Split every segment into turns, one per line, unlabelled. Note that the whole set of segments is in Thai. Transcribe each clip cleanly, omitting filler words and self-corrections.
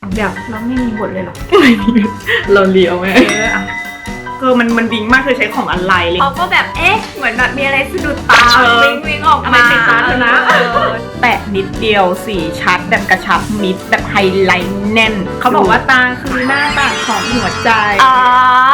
เดี๋ยวเราไม่มีบทเลยหรอ
เราเลี้ยวไหม
มันวิงมากคือใช้ของอะไรเลย
เขาก็แบบเหมือนแบบมีอะไรสะดุดตาวิ่งออก
อะไร
มา
ติดตาเธอนะแปะนิดเดียวสีชัดแบบกระชับมิดแบบไฮไลท์แน่นเขาบอกว่าตาคือหน้าต่างของหัวใจ
อ๋อ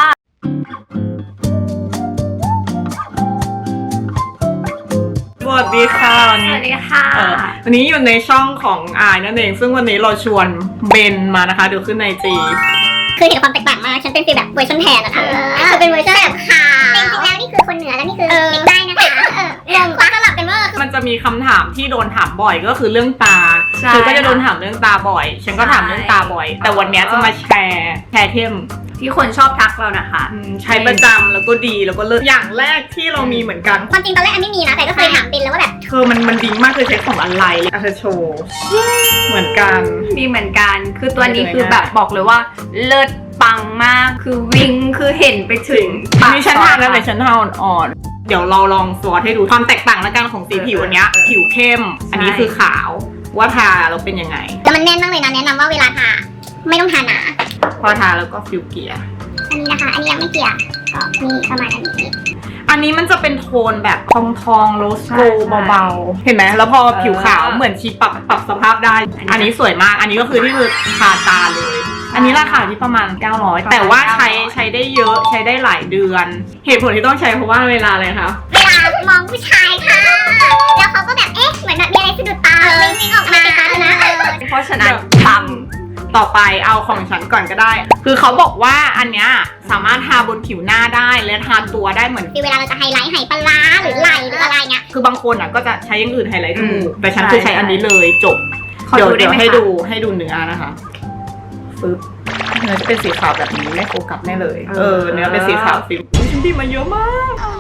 สวัสดีค่ะวัน
ส
นี้
วัสดีค่ะ
วันนี้อยู่ในช่องของอายนั่นเองซึ่งวันนี้เราชวนเบนมานะคะเดี๋ยวขึ้นในจี
คือเห็นความแตกต่างมากฉันเป็นฟีลแบบเวอร์ชันแทนนะคะคือเป็นเวอร์ชันแบบขาวจริงๆแล้วนี่คือคนเหนือแล้วนี่คือเด็กใต้นะคะงงคว้าสลับกันเวอร์
มันจะมีคำถามที่โดนถามบ่อยก็คือเรื่องตา
ใช่
เธอก็จะโดนถามเรื่องตาบ่อย ฉันก็ถามเรื่องตาบ่อย แต่วันนี้จะมาแชร์เทม
ที่คนชอบทักเรานะคะ
ใช้ประจำแล้วก็ดีแล้วก็เลิศอย่างแรกที่เรามีเหมือนกัน
ความจริงตอนแรกอันไม่มีนะแต่ก็เคยถามบินแล้วว่าแบบ
มันดีมากคือใช้ของอะไรเลยเธอโชว์เหมือนกัน
มีเหมือนกันคือตัวนี้คือแบบบอกเลยว่าเลิศปังมากคือวิงคือเห็นไปถึงปาก
นี่ฉันทาแล้วเลยฉันทาอ่อนๆเดี๋ยวเราลองสวอตให้ดูความแตกต่างและกันของสีผิวอันเนี้ยผิวเข้ม อันนี้คือขาวว่าทาเราเป็นยังไง
แต่มันแน่นมากเลยนะแนะนำว่าเวลาทาไม่ต้องทาหนา
พอทาแล้วก็ฟิวเกียร์
อันนี้นะคะ อันนี้ยังไม่เกลี่ยก็มีประมาณอันนี้
อันนี้มันจะเป็นโทนแบบทองโรสโกเบาๆเห็นไหมแล้วพอผิวขาวเหมือนชีปรับสภาพได้ อันนี้สวยมากอันนี้ก็คือที่คือทาตาเลย อันนี้ราคาที่ประมาณ900แต่ว่าใช้ได้เยอะใช้ได้หลายเดือน เหตุผลที่ต้องใช้เพราะว่าเวลาอะไรคะ
เวลามองผู้ชายค่ะ แล้วเขาก็แบบเหมือนแบบมีอะไรสะดุดตาวิ่งออกมาติดตาเธอนะ
เพราะฉะนั้นปัง
ต่อไปเอาของฉันก่อนก็ได้ คือเขาบอกว่าอันเนี้ยสามารถทาบนผิวหน้าได้และทาตัวได้เหมือน
คือเวลาเราจะไฮไลท์ไหปลาร้าหรือไหลหรืออะไรเงี้ย
คือบางคนอ่ะก็จะใช้อย่างอื่นไฮไลท์จมูกแต่ฉัน
ใช่
คือใช้อันนี้เลยจบ
ขอ
เดี๋ยว
ดูได้ไหม
ให้
คะ
ดูเนื้อนะคะฟึบเนื้อจะเป็นสีขาวแบบนี้ไม่โฟกัสแน่เลยเนื้อเป็นสีขาวฟิล์มฉันดีมาเยอะมาก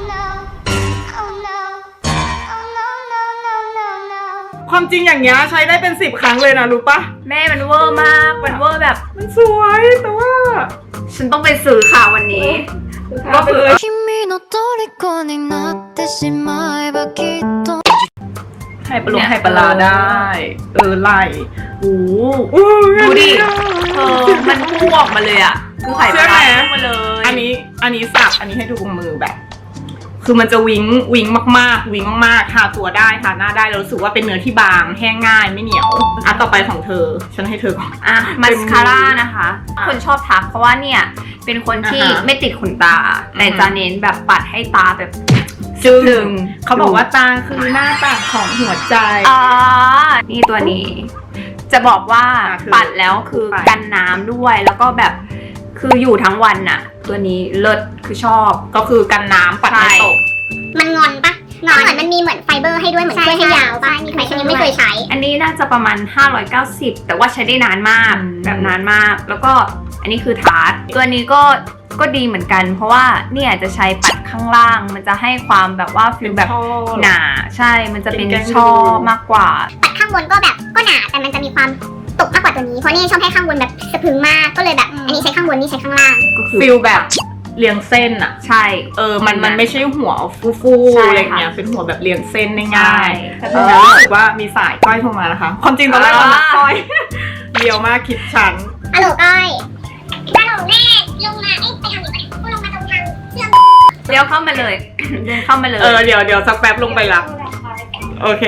ความจริงอย่างเงี้ยใช้ได้เป็น10 ครั้งเลยนะรู้ปะ
แม่มันเวอร์มากมันเวอร์แบบ
มันสวยแต่ว่า
ฉันต้องไปซื้อค่ะวันนี้
ก็คือ
君の虜になってしまえばきっと
ไข่ปลาไข่ปลาได้ไหลโอ้โห
ดูดิมันพุ่งออกมาเลยอ่ะคือไข่ปลาพุ่งมาเลย
อันนี้สับอันนี้ให้ดูกับมือแบบ คือมันจะวิงมากทาตัวได้ทาหน้าได้แล้วรู้สึกว่าเป็นเนื้อที่บางแห้งง่ายไม่เหนียวอ่ะต่อไปของเธอฉันให้เธอก่อน
อ่ะมาสคาร่านะคะ คนชอบทักเพราะว่าเนี่ยเป็นคนที่
อ่าฮะ
ไม่ติดขนตา แต่จะเน้นแบบปัดให้ตาแบบ
จึง
จึง
เขาบอกว่าตาคือหน้าต่างของหัวใจ
อ๋อนี่ตัวนี้ จะบอกว่า
คือ
ปัดแล้วคือ
ไป
กันน้ำด้วยแล้วก็แบบคืออยู่ทั้งวันน่ะ ตัวนี้เลิศคือชอบ
ก็คือกันน้ำปัดไม่ตก
มันงอนปะงอนเหมือนมันมีเหมือนไฟเบอร์ให้ด้วยเหมือนช่วยให้ยาวปะมีใครฉันยังไม่เคยใช้
อันนี้น่าจะประมาณ590แต่ว่าใช้ได้นานมาก
อืม
แบบนานมาก แล้วก็อันนี้คือทาร์ตตัวนี้ก็ดีเหมือนกัน เพราะว่าเนี่ยจะใช้ปัดข้างล่าง มันจะให้ความแบบว่าฟิลแบบ
ชอบ
หนาใช่มันจะเป็น
เป็นแกง
ช่อ
ดู
มากกว่า
ปัดข้างบนก็แบบก็หนาแต่มันจะมีความตกมากกว่าตัวนี้เพราะนี่ชอบให้ข้างบนแบบสะพรึงมากก็เลยแบบอันนี้ใช้ข้างบนนี่ใช้ข้างล่าง
ก็คือ
ฟิลแบบเรียงเส้นอะ
ใช่
มันไม่ใช่หัวฟู
ใช่
ๆ
ค่ะ
อะไรเงี้ยเป็นหัวแบบเรียงเส้นได้
ใช่
ง่ายแต่ตอนนี้รู้สึกว่ามีสายก้อยโทรมานะคะ ความจริงตอนแรกเรานัดก้อยเดียวมากคิดฉัน
ฮัลโหลก้อยฮัลโหลแม่ลงมาไปทางนี้ไปลงมาตรงทางเชื่อม
เดี๋ยวเข้ามาเลย เดินเข้ามาเลย
เดี๋ยวสักแป๊บลงไปรับโอเค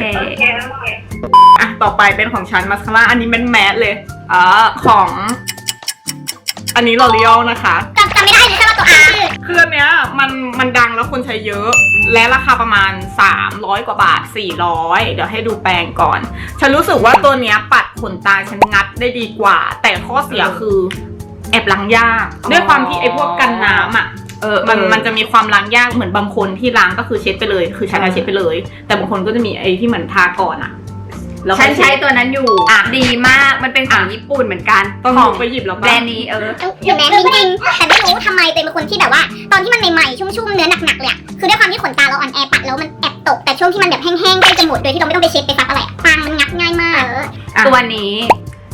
อ่ะต่อไปเป็นของฉันมาสคาร่าอันนี้เป็นแมสเลยของ อันนี้ L'Oreal นะคะ
จำไม่ได้หรือแค่ว่าตัวอา
คืออันเนี้ยมันดังแล้วคนใช้เยอะ และราคาประมาณ300 กว่าบาท400เดี๋ยวให้ดูแปรงก่อน ฉันรู้สึกว่าตัวเนี้ยปัดขนตาฉันงัดได้ดีกว่า แต่ข้อเสียคือแอบล้างยากด้วยความที่ไอ้พวกกันน้ำอ่ะมันจะมีความล้างยากเหมือนบางคนที่ล้างก็คือเช็ดไปเลย คือฉันเช็ดไปเลย แต่บางคนก็จะมีไอ้ที่เหมือนทาก่อนอ่ะแล้ว
ฉันใช้ตัวนั้นอยู่
อ่ะ
ดีมากมันเป็นของญี่ปุ่นเหมือนกัน
ต้อง
ของ
ไปหยิบแล้ว
แบรนด์นี้
อยู่แม้จริงๆแต่ไม่รู้ทำไมเป็นคนที่แบบว่า ตอนที่มันใหม่ๆชุ่มๆเนื้อหนักๆเลยอะคือด้วยความที่ขนตาเราอ่อนแอปัดแล้วมันแอบตกแต่ช่วงที่มันแบบแห้งๆใกล้จะหมดโดยที่เราไม่ต้องไปเช็ดไปซักอะไรปังมันงับง่ายมาก
ตัวนี้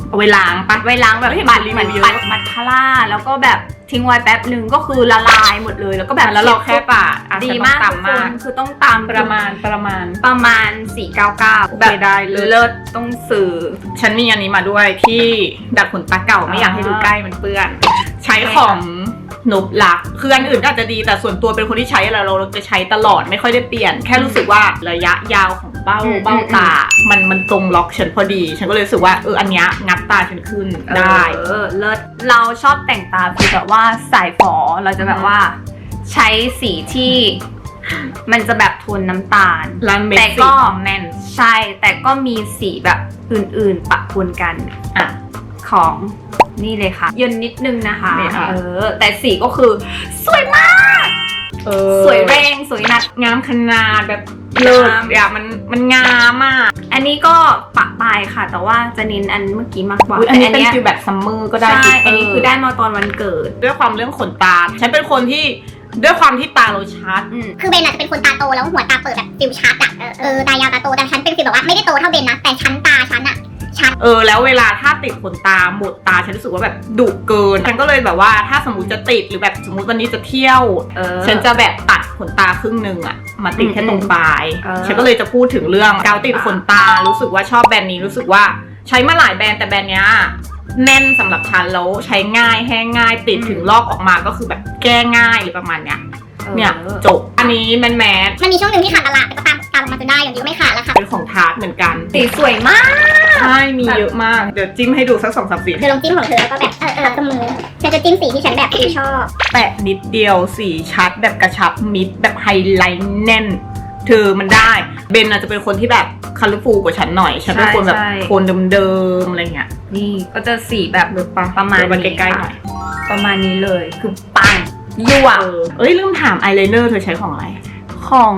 เอาไว้ล้างปะ
ไว้ล้างแบบ
เห็น
ปัด
รีวิว
เหมือน
เยอะ
ปัดมัสคาร่าแล้วก็แบบทิ้งไว้แป๊บหนึ่งก็คือละลายหมดเลยแล้วก็แบบ
แล้วเราแค่ปะอ่ะ
ดี
ฉัน
มาก
ต้อง
ทุก
ตำ
ค
มาก
นคือต้องตาม
ประมาณ
ประมาณ 499
โอเคได้เลย
เลิศต้องซื้อ
ฉันมีอันนี้มาด้วยที่ดัดขนตาเก่าไม่อยากให้ดูใกล้มันเปื้อน ใช้ของนุบลักคืออันอื่นก็อาจจะดีแต่ส่วนตัวเป็นคนที่ใช้อะไรเราจะใช้ตลอดไม่ค่อยได้เปลี่ยน แค่รู้สึกว่าระยะยาวของเบ้าตา มันตรงล็อกฉันพอดี ฉันก็เลยรู้สึกว่าอันเนี้ยงัดตาฉันขึ้นได้
เลิศเราชอบแต่งตาคือแบบว่าสายฝอเราจะแบบว่าใช้สีที่มันจะแบบโทนน้ำตาล
ร้านเม็ด
แต่
สี
ก็
แน่น
ใช่แต่ก็มีสีแบบอื่นๆปะปนกัน
อ่ะ
ของนี่เลยค่ะเย็นนิดนึงนะคะ
นี่ค่ะ
แต่สีก็คือสวยมาก สวยแรงสวยหนัก
งามขนาดแบบเลิศอ่ะมันงามมาก
อันนี้ก็ปะปลายค่ะ แต่ว่าจะเน้นอันเมื่อกี้มากกว่า
อันนี้
แต่
เป็นฟิลแบบซัมเมอร์ก็ได้
ใช่
ฟิลเต
อันนี้คือได้มาตอนวันเกิด
ด้วยความเรื่องขนตา ฉันเป็นคนที่ด้วยความที่ตาเราชัด
คือเบนอาจจะเป็นคนตาโตแล้วหัวตาเปิดแบบฟิวชัดอ่ะตายาวตาโตแต่ฉันเป็นฟิวแบบว่าไม่ได้โตเท่าเบนนะแต่ชั้นตาฉันอ่ะชัด
แล้วเวลาถ้าติดขนตาหมดตาฉันรู้สึกว่าแบบดุเกินฉันก็เลยแบบว่าถ้าสมมติจะติดหรือแบบสมมติวันนี้จะเที่ยว ฉันจะแบบตัดขนตาครึ่งนึงอะมาติดแค่ตรงปลาย ฉันก็เลยจะพูดถึงเรื่องกาวติดขนตารู้สึกว่าชอบแบรนด์นี้รู้สึกว่าใช้มาหลายแบรนด์แต่แบรนด์เนี้ยแน่นสำหรับฉันแล้วใช้ง่ายแห้งง่ายติดถึงลอกออกมาก็คือแบบแก้ง่ายหรือประมาณเนี้ยเนี่ยจบอันนี้แมน
มันมีช่วงหนึ่งที่ขาดตลาดแต่ก็ตามออกมาจนได้อย่างนี้ก็ไม่ขาดแล้วค่ะ
เป็นของทาร์ตเหมือนกัน
สีสวยมาก
ใช่มีเยอะมากเดี๋ยวจิ้มให้ดูสัก2-3 สี
เธอลองจิ้มของเธอแล้วก็แบบกับมือฉันจะจิ้มสีที่ฉันแบบชอบ
แปะนิดเดียวสีชัดแบบกระชับมิดแบบไฮไลท์แน่นเธอมันได้เบนอาจจะเป็นคนที่แบบคัลเลอร์ฟูลกว่าฉันหน่อยฉันเป็นคนแบบโทนเดิมๆอะไรเงี้ย
นี่ก็จะสีแบบ ประมาณ
เดี๋ยวมัน
นี้
ใกล้ๆหน่
ค่ะ
อย
ประมาณนี้เลยคือปังยั่ว
ลืมถามอายไลเนอร์เธอใช้ของอะไร
ของ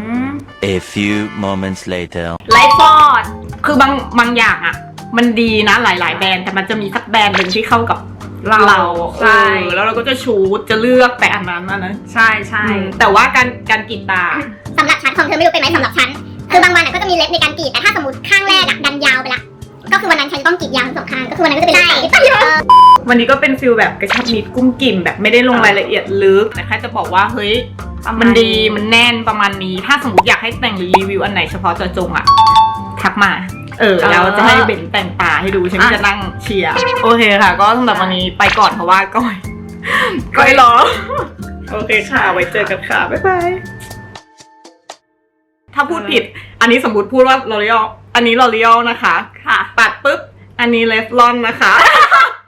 A few moments later.
ไลฟ์ฟอร์ด
คือบางอย่างอ่ะมันดีนะหลายๆแบรนด์แต่มันจะมีสักแบรนด์หนึ่งที่เข้ากับเรา
ใช่
แล้วเราก็จะชูดจะเลือกแต่อันนั้นอันนั้น
ใช่ใช่
แต่ว่าการกรีดตา
สำหรับฉันของเธอไม่รู้เป็นไหมสำหรับฉันคือบางวันก็จะมีเล็บในการกรีดแต่ถ้าสมมติข้างแรกดันยาวไปละก็คือวันนั้นฉันต้องกรีดยาวทั้งสองข้างก็คือวันนั้นก็จะเป็นเล็บตัด
วันนี้ก็เป็นฟิลแบบกระชับมิดกุ้มกิ่มแบบไม่ได้ลงรายละเอียดลึกแต่แค่จะบอกว่าเฮ้ย
ประาณ
มันดีมันแน่นประมาณนี้ถ้าสมมติอยากให้แต่งหรือรีวิวอันไหนเฉพาะเจาะจงอ่ะทักมาแล้วจะให้เบนแต่งตาให้ดูฉันจะนั่งเชียร์โอเคค่ะ ก็สำหรับวันนี้ไปก่อนเพราะว่าก้อยรอโอเคค่ะไว้เจอกันค่ะบ๊ายบายถ้าพูดผิดอันนี้สมมติพูดว่า L'Oreal อันนี้ L'Oreal นะคะ
ค่ะ
ปัดปุ๊บอันนี้เลฟลอนนะคะ